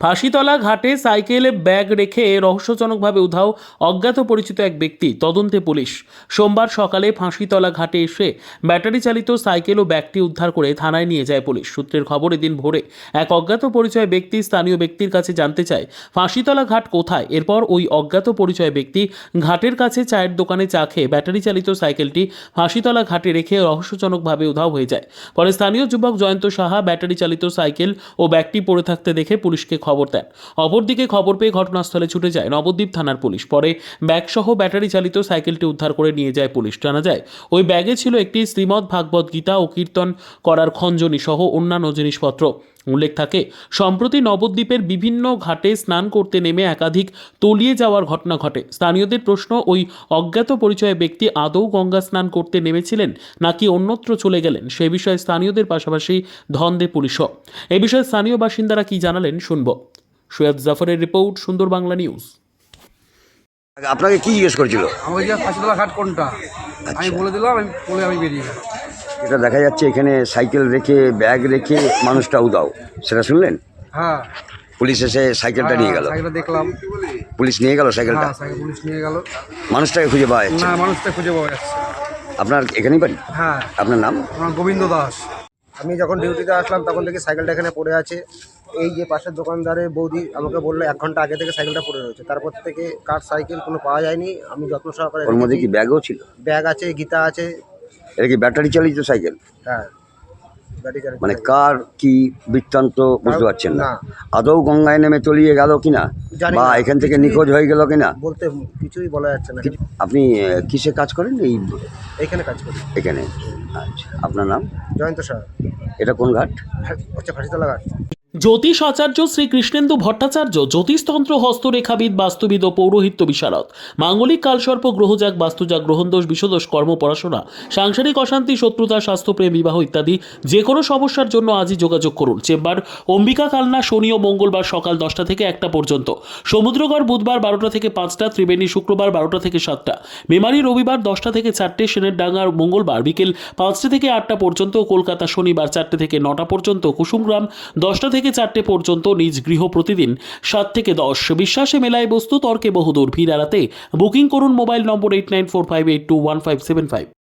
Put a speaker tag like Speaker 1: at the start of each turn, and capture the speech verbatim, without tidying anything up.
Speaker 1: ফাঁসিতলা ঘাটে সাইকেলে ব্যাগ রেখে রহস্যজনকভাবে উধাও অজ্ঞাত পরিচিত এক ব্যক্তি, তদন্তে পুলিশ। সোমবার সকালে ফাঁসিতলা ঘাটে এসে ব্যাটারি চালিত সাইকেল ও ব্যাগটি উদ্ধার করে থানায় নিয়ে যায় পুলিশ। সূত্রের খবর, এদিন ভোরে এক অজ্ঞাত পরিচয় ব্যক্তি স্থানীয় ব্যক্তির কাছে জানতে চায় ফাঁসিতলা ঘাট কোথায়। এরপর ওই অজ্ঞাত পরিচয় ব্যক্তি ঘাটের কাছে চায়ের দোকানে চা খেয়ে ব্যাটারি চালিত সাইকেলটি ফাঁসিতলা ঘাটে রেখে রহস্যজনকভাবে উধাও হয়ে যায়। পরে স্থানীয় যুবক জয়ন্ত সাহা ব্যাটারি চালিত সাইকেল ও ব্যাগটি পড়ে থাকতে দেখে পুলিশকে খবর দেন। অপরদিকে খবর পেয়ে ঘটনাস্থলে ছুটে যায় নবদ্বীপ থানার পুলিশ। পরে ব্যাগসহ ব্যাটারি চালিত সাইকেলটি উদ্ধার করে নিয়ে যায় পুলিশ। জানা যায় ওই ব্যাগে ছিল একটি শ্রীমদ্ ভাগবত গীতা ও কীর্তন করার খঞ্জনি সহ অন্যান্য জিনিসপত্র। উল্লেখ থাকে, সম্প্রতি নবদ্বীপের বিভিন্ন ঘাটে স্নান করতে নেমে একাধিক তলিয়ে যাওয়ার ঘটনা ঘটে। স্থানীয়দের প্রশ্ন, ওই অজ্ঞাত পরিচয় ব্যক্তি আদৌ গঙ্গা স্নান করতে নেমেছিলেন নাকি অন্যত্র চলে গেলেন, সে বিষয়ে স্থানীয়দের পাশাপাশি ধন্দে পুলিশও। এ বিষয়ে স্থানীয় বাসিন্দারা কি জানালেন শুনব। সৈয়দ জাফরের রিপোর্ট, সুন্দর বাংলা নিউজ।
Speaker 2: আপনাকে কি জিজ্ঞেস করেছিল?
Speaker 3: আমি যে ফাঁসিতলা ঘাট কোনটা আমি বলে দিলাম, আমি বলে আমি বেরিয়ে গেলাম।
Speaker 2: এটা দেখা যাচ্ছে এখানে সাইকেল রেখে ব্যাগ রেখে মানুষটা উদাও, সেটা শুনলেন?
Speaker 3: হ্যাঁ,
Speaker 2: পুলিশ এসে সাইকেলটা নিয়ে গেল।
Speaker 3: সাইকেলটা দেখলাম,
Speaker 2: পুলিশ নিয়ে গেল সাইকেলটা।
Speaker 3: হ্যাঁ সাইকেল পুলিশ নিয়ে গেল।
Speaker 2: মানুষটাকে খুঁজে পাওয়া যাচ্ছে
Speaker 3: না,
Speaker 2: না?
Speaker 3: মানুষটা খুঁজে পাওয়া যাচ্ছে।
Speaker 2: আপনার এখানেই বাড়ি?
Speaker 3: হ্যাঁ।
Speaker 2: আপনার নাম?
Speaker 3: আমার গোবিন্দ দাস।
Speaker 4: আমি যখন ডিউটিতে আসলাম তখন দেখি সাইকেলটা এখানে পড়ে আছে। এই যে পাশের দোকানদারের বৌদি আমাকে বললো এক ঘন্টা আগে থেকে সাইকেলটা পড়ে রয়েছে। তারপর থেকে কার সাইকেল কোনো পাওয়া যায়নি। আমি যত্ন সহকারে
Speaker 2: ওর মধ্যে কি ব্যাগও ছিল?
Speaker 4: ব্যাগ আছে, গীতা আছে।
Speaker 2: এটা কি ব্যাটারি চালিত সাইকেল?
Speaker 4: হ্যাঁ, গাড়ি চালাচ্ছে।
Speaker 2: মানে কার কি বৃত্তান্ত বুঝতে পারছেন না?
Speaker 4: না।
Speaker 2: আদৌ গঙ্গায় নেমে তলিয়ে গেল কিনা,
Speaker 4: জানি
Speaker 2: বা
Speaker 4: না।
Speaker 2: এখান থেকে
Speaker 4: কিছুই-
Speaker 2: নিখোঁজ হয়ে গেল কিনা
Speaker 4: বলতে কিছুই বলা যাচ্ছে না।
Speaker 2: আপনি আহ, কিসে কাজ করেন এই
Speaker 4: এইখানে কাজ করি।
Speaker 2: এখানে? আচ্ছা, আপনার নাম?
Speaker 4: জয়ন্ত সাহা।
Speaker 2: এটা কোন ঘাট?
Speaker 4: হচ্ছে ফাঁসিতলা ঘাট।
Speaker 1: জ্যোতিষ আচার্য শ্রী কৃষ্ণেন্দু ভট্টাচার্য জ্যোতিষতন্ত্র, হস্তরেখাবিদ, বাস্তুবিদ ও পৌরোহিত্য বিশারদ। মাঙ্গলিক কালসর্প, গ্রহজাগ, বাস্তুজাগ, গ্রহণদোষ, বিষদোষ, কর্ম, পড়াশোনা, সাংসারিক অশান্তি, শত্রুতা, স্বাস্থ্যপ্রেম, বিবাহ ইত্যাদি যে কোনো সমস্যার জন্য আজই যোগাযোগ করুন। চেম্বার অম্বিকা কালনা, শনি ও মঙ্গলবার সকাল দশটা থেকে একটা পর্যন্ত, সমুদ্রগড় বুধবার বারোটা থেকে পাঁচটা, ত্রিবেণী শুক্রবার বারোটা থেকে সাতটা, মেমারি রবিবার দশটা থেকে চারটে, সেনের ডাঙ্গার মঙ্গলবার বিকেল পাঁচটা থেকে আটটা পর্যন্ত, কলকাতা শনিবার চারটে থেকে নটা পর্যন্ত, কুসুমগ্রাম দশটা থেকে চারটে পর্যন্ত, নিজ গৃহ প্রতিদিন সাত থেকে দশ। বিশ্বাসে মেলায় বস্তু, তর্কে বহুদূর। ভিড় এড়াতে বুকিং করুন mobile number eight nine four five eight two one five seven five.